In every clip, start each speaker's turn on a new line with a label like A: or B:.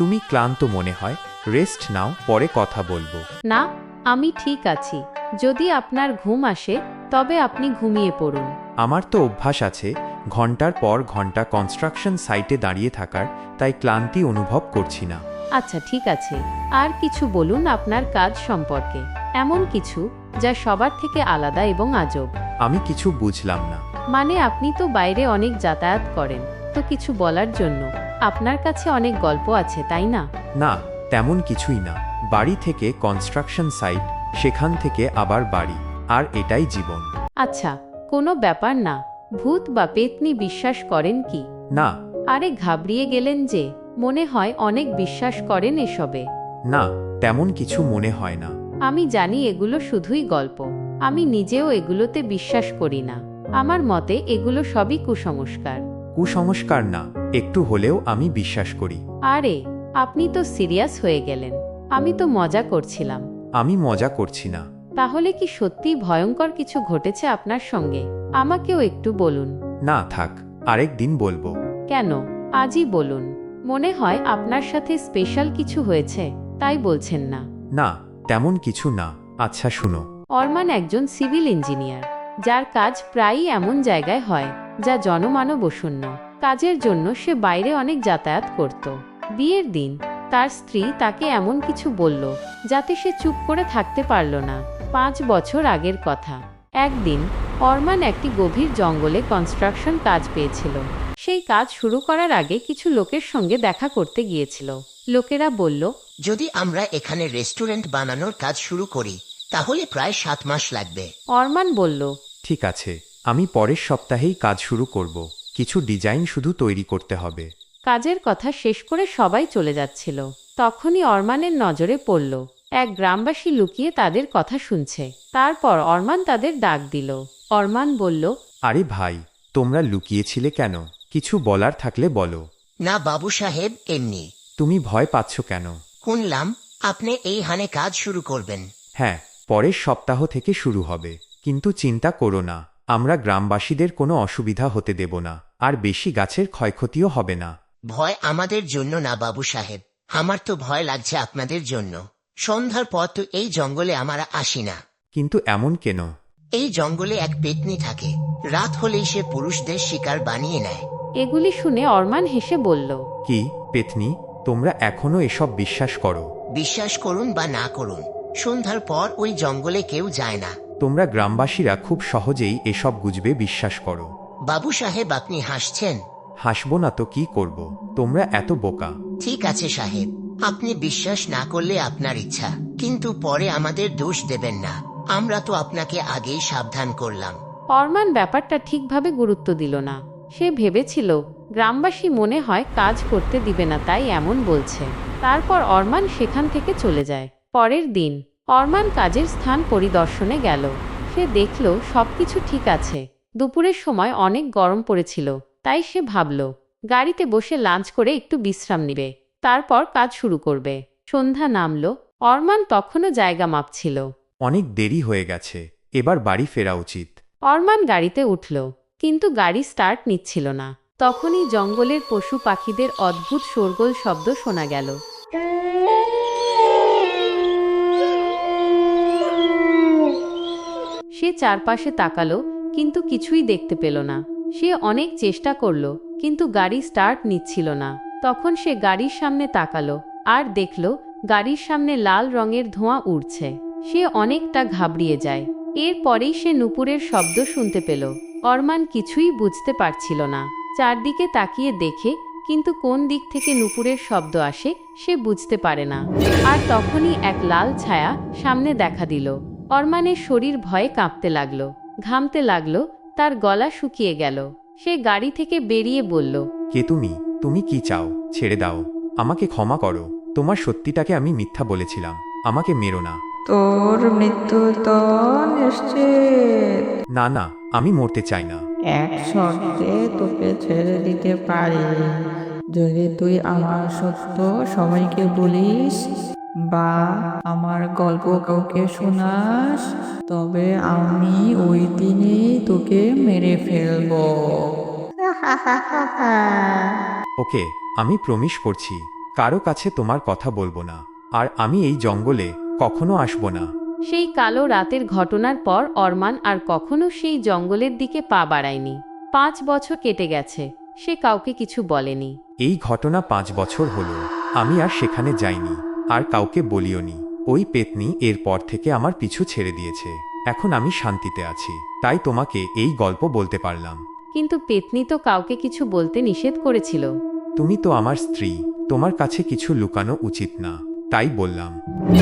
A: তুমি ক্লান্ত মনে হয়, রেস্ট নাও, পরে কথা বলবো।
B: না, আমি ঠিক আছি। যদি আপনার ঘুম আসে তবে আপনি ঘুমিয়ে পড়ুন।
A: আমার তো অভ্যাস আছে ঘন্টার পর ঘন্টা কনস্ট্রাকশন সাইটে দাঁড়িয়ে থাকার, তাই ক্লান্তি অনুভব করছি না।
B: আচ্ছা ঠিক আছে, আর কিছু বলুন আপনার কাজ সম্পর্কে, এমন কিছু যা সবার থেকে আলাদা এবং আজব।
A: আমি কিছু বুঝলাম না।
B: মানে আপনি তো বাইরে অনেক যাতায়াত করেন, তো কিছু বলার জন্য আপনার কাছে অনেক গল্প আছে, তাই না?
A: না, তেমন কিছুই না। বাড়ি থেকে কনস্ট্রাকশন সাইট, সেখান থেকে আবার বাড়ি, আর এটাই জীবন।
B: আচ্ছা, কোনো ব্যাপার না। ভূত বা পেতনি বিশ্বাস করেন কি?
A: না।
B: আরে ঘাবড়িয়ে গেলেন যে, মনে হয় অনেক বিশ্বাস করেন এসবে।
A: না, তেমন কিছু মনে হয় না।
B: আমি জানি এগুলো শুধুই গল্প, আমি নিজেও এগুলোতে বিশ্বাস করি না। আমার মতে এগুলো সবই কুসংস্কার।
A: কুসংস্কার না, একটু হলেও আমি বিশ্বাস করি।
B: আরে আপনি তো সিরিয়াস হয়ে গেলেন। আমি তো মজা করছিলাম।
A: আমি মজা করছি না।
B: তাহলে কি সত্যিই ভয়ঙ্কর কিছু ঘটেছে আপনার সঙ্গে? আমাকেও একটু বলুন।
A: না থাক, আরেক দিন বলবো।
B: কেন, আজই বলুন। মনে হয় আপনার সাথে স্পেশাল কিছু হয়েছে, তাই বলছেন না।
A: না, তেমন কিছু না। আচ্ছা শুনো।
B: অরমান একজন সিভিল ইঞ্জিনিয়ার, যার কাজ প্রায়ই এমন জায়গায় হয় যা জনমানবশূন্য। কাজের জন্য সে বাইরে অনেক যাতায়াত করত। বিয়ের দিন তার স্ত্রী তাকে এমন কিছু বলল যাতে সে চুপ করে থাকতে পারল না। 5 বছর আগের কথা। একদিন অরমান একটি গভীর জঙ্গলে কনস্ট্রাকশন কাজ পেয়েছিল। সেই কাজ শুরু করার আগে কিছু লোকের সঙ্গে দেখা করতে গিয়েছিল। লোকেরা বলল,
C: যদি আমরা এখানে রেস্টুরেন্ট বানানোর কাজ শুরু করি তাহলে প্রায় 7 মাস লাগবে।
B: অরমান বলল,
A: ঠিক আছে, আমি পরের সপ্তাহেই কাজ শুরু করব। কিছু ডিজাইন শুধু তৈরি করতে হবে।
B: কাজের কথা শেষ করে সবাই চলে যাচ্ছিল। তখনই অরমানের নজরে পড়ল এক গ্রামবাসী লুকিয়ে তাদের কথা শুনছে। তারপর অরমান তাদের ডাক দিল। অরমান বলল,
A: আরে ভাই, তোমরা লুকিয়েছিলে কেন? কিছু বলার থাকলে বলো।
C: না বাবু সাহেব, এমনি।
A: তুমি ভয় পাচ্ছ কেন?
C: শুনলাম আপনি এই হানে কাজ শুরু করবেন।
A: হ্যাঁ, পরের সপ্তাহ থেকে শুরু হবে। কিন্তু চিন্তা করো না, আমরা গ্রামবাসীদের কোনো অসুবিধা হতে দেব না, আর বেশি গাছের ক্ষয়ক্ষতিও হবে না।
C: ভয় আমাদের জন্য না বাবু সাহেব, আমার তো ভয় লাগছে আপনাদের জন্য। সন্ধ্যার পর তো এই জঙ্গলে আমরা আসি না।
A: কিন্তু এমন কেন?
C: এই জঙ্গলে এক পেতনি থাকে, রাত হলেই সে পুরুষদের শিকার বানিয়ে নেয়।
B: এগুলি শুনে অরমান হেসে বলল,
A: কি পেতনি? তোমরা এখনো এসব বিশ্বাস করো?
C: বিশ্বাস করুন বা না করুন, সন্ধ্যার পর ওই জঙ্গলে কেউ যায় না।
A: তোমরা গ্রামবাসীরা খুব সহজেই এসব গুজবে বিশ্বাস করো।
C: বাবু সাহেব আপনি হাসছেন।
A: হাসবো না তো কি করব? তোমরা এত বোকা।
C: ঠিক আছে সাহেব, আপনি বিশ্বাস না করলে আপনার ইচ্ছা, কিন্তু পরে আমাদের দোষ দেবেন না। আমরা তো আপনাকে আগেই সাবধান করলাম।
B: অরমান ব্যাপারটা ঠিকভাবে গুরুত্ব দিল না। সে ভেবেছিল গ্রামবাসী মনে হয় কাজ করতে দিবে না, তাই এমন বলছে। তারপর অরমান সেখান থেকে চলে যায়। পরের দিন অরমান কাজের স্থান পরিদর্শনে গেল। সে দেখল সবকিছু ঠিক আছে। দুপুরের সময় অনেক গরম পড়েছিল, তাই সে ভাবল গাড়িতে বসে লাঞ্চ করে একটু বিশ্রাম নিবে, তারপর কাজ শুরু করবে। সন্ধ্যা নামল। অরমান তখনও জায়গা মাপছিল।
A: অনেক দেরি হয়ে গেছে, এবার বাড়ি ফেরা উচিত।
B: অরমান গাড়িতে উঠল, কিন্তু গাড়ি স্টার্ট নিচ্ছিল না। তখনই জঙ্গলের পশু পাখিদের অদ্ভুত শোরগোল শব্দ শোনা গেল। সে চারপাশে তাকালো, কিন্তু কিছুই দেখতে পেল না। সে অনেক চেষ্টা করল, কিন্তু গাড়ি স্টার্ট নিচ্ছিল না। তখন সে গাড়ির সামনে তাকালো, আর দেখল গাড়ির সামনে লাল রঙের ধোঁয়া উড়ছে। সে অনেকটা ঘাবড়িয়ে যায়। এরপরেই সে নুপুরের শব্দ শুনতে পেল। অরমান কিছুই বুঝতে পারছিল না। চারদিকে তাকিয়ে দেখে, কিন্তু কোন দিক থেকে নুপুরের শব্দ আসে সে বুঝতে পারে না। আর তখনই এক লাল ছায়া সামনে দেখা দিল। অরমানের শরীর ভয়ে কাঁপতে লাগলো, ঘামতে লাগলো, তার গলা শুকিয়ে গেল। সে গাড়ি থেকে বেরিয়ে বলল,
A: কে তুমি? তুমি কি চাও? ছেড়ে দাও, আমাকে ক্ষমা করো। তোমার সত্যিটাকে আমি মিথ্যা বলেছিলাম, আমাকে মেরো না।
D: তোর মৃত্যু তো নিশ্চিত।
A: না না, আমি মরতে চাই না।
D: এক শর্তে তোকে ছেড়ে দিতে পারি, যদি তুই আমার সত্য সবাইকে বলিস বা আমার গল্প কাউকে শোনাস, তবে আমি ওই দিনেই তোকে মেরে ফেলবো।
A: ওকে, আমি প্রমিস করছি। কারো কাছে তোমার কথা বলবো না, আর আমি এই জঙ্গলে কখনো আসবো না।
B: সেই কালো রাতের ঘটনার পর অরমান আর কখনো সেই জঙ্গলের দিকে পা বাড়ায়নি। 5 বছর কেটে গেছে, সে কাউকে কিছু বলেনি।
A: এই ঘটনা 5 বছর হলো, আমি আর সেখানে যাইনি, আর কাউকে বলিওনি। ওই পেতনি এরপর থেকে আমার পিছু ছেড়ে দিয়েছে। এখন আমি শান্তিতে আছি, তাই তোমাকে এই গল্প বলতে পারলাম।
B: কিন্তু পেতনি তো কাউকে কিছু বলতে নিষেধ করেছিল।
A: তুমি তো আমার স্ত্রী, তোমার কাছে কিছু লুকানো উচিত না, তাই বললাম।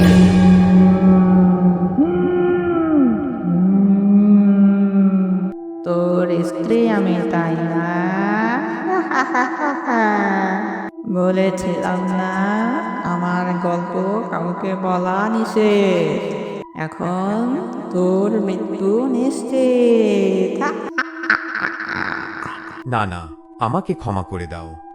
D: তোর স্ত্রী আমি, তাই না? বলেছিলাম না আমার গল্প কাউকে বলা নিষেধ। এখন তোর মৃত্যু নিশ্চিত।
A: না না, আমাকে ক্ষমা করে দাও।